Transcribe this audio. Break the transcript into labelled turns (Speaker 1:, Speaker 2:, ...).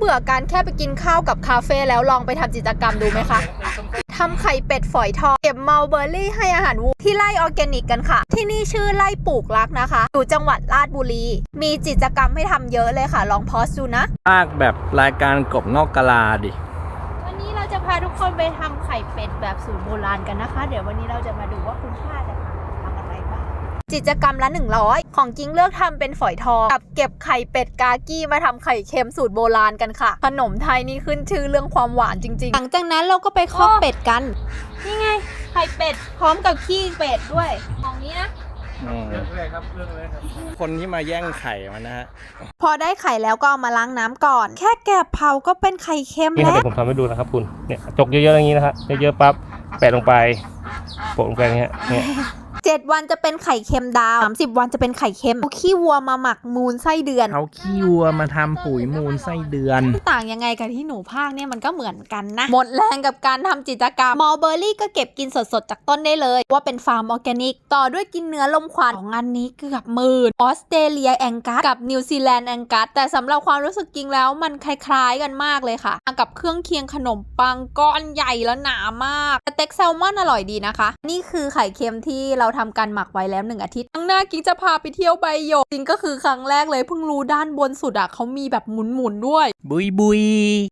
Speaker 1: บื่อการแค่ไปกินข้าวกับคาเฟ่แล้วลองไปทำกิจกรรมดูไหมคะทำไข่เป็ดฝอยทองเก็บมัลเบอร์รี่ให้อาหารวัวที่ไร่ออร์แกนิกกันค่ะที่นี่ชื่อไร่ปลูกรักนะคะอยู่จังหวัดราชบุรีมีกิจกรรมให้ทำเยอะเลยค่ะลองพอสดูนะ
Speaker 2: ภาคแบบรายการกบนอกกะลาดิ
Speaker 1: วันนี้เราจะพาทุกคนไปทำไข่เป็ดแบบสูตรโบราณกันนะคะเดี๋ยววันนี้เราจะมาดูว่าคุณป้าจะทำอะไรบ้างกิจกรรมละ100ของกิ้งเลือกทำเป็นฝอยทองกับเก็บไข่เป็ดกากี้มาทำไข่เค็มสูตรโบราณกันค่ะขนมไทยนี่ขึ้นชื่อเรื่องความหวานจริงๆหลังจากนั้นเราก็ไปคอกเป็ดกันนี่ไงไข่เป็ดพร้อมกับขี้เป็ดด้วยของนี้นะ
Speaker 2: เรื่องเลยครับคนที่มาแย่งไข่มันนะฮะ
Speaker 1: พอได้ไข่แล้วก็เอามาล้างน้ำก่อนแค่แกะเผาก็เป็นไข่เค็มแล้ว
Speaker 3: เดี๋ยวผมทำให้ดูนะครับคุณเนี่ยจกเยอะๆอย่างนี้นะฮะเยอะๆปั๊บแปะลงไปโปะลงไปอย่างเงี้ย
Speaker 1: 7 วันจะเป็นไข่เค็มดาว30 วันจะเป็นไข่เค็มเอาขี้วัวมาหมักมูลไส้เดือน
Speaker 2: เอาขี้วัวมาทำปุ๋ยมูลไส้เดือน
Speaker 1: ต่างยังไงกับที่หนูภาคเนี่ยมันก็เหมือนกันนะหมดแรงกับการทำกิจกรรมมัลเบอร์รี่ก็เก็บกินสดๆจากต้นได้เลยว่าเป็นฟาร์มออร์แกนิกต่อด้วยกินเนื้อลมควันของอันนี้เกือบหมื่นออสเตรเลียแองกัสกับนิวซีแลนด์แองกัสแต่สำหรับความรู้สึกจริงแล้วมันคล้ายๆกันมากเลยค่ะกับเครื่องเคียงขนมปังก้อนใหญ่แล้วหนามากสเต็กแซลมอนอร่อยดีนะคะนี่คือไข่เค็มที่เราทำการหมักไว้แล้ว1 อาทิตย์ข้างหน้ากิ๊กจะพาไปเที่ยวใบหยกจริงก็คือครั้งแรกเลยเพิ่งรู้ด้านบนสุดอะเขามีแบบหมุนๆด้วย
Speaker 2: บุยบุย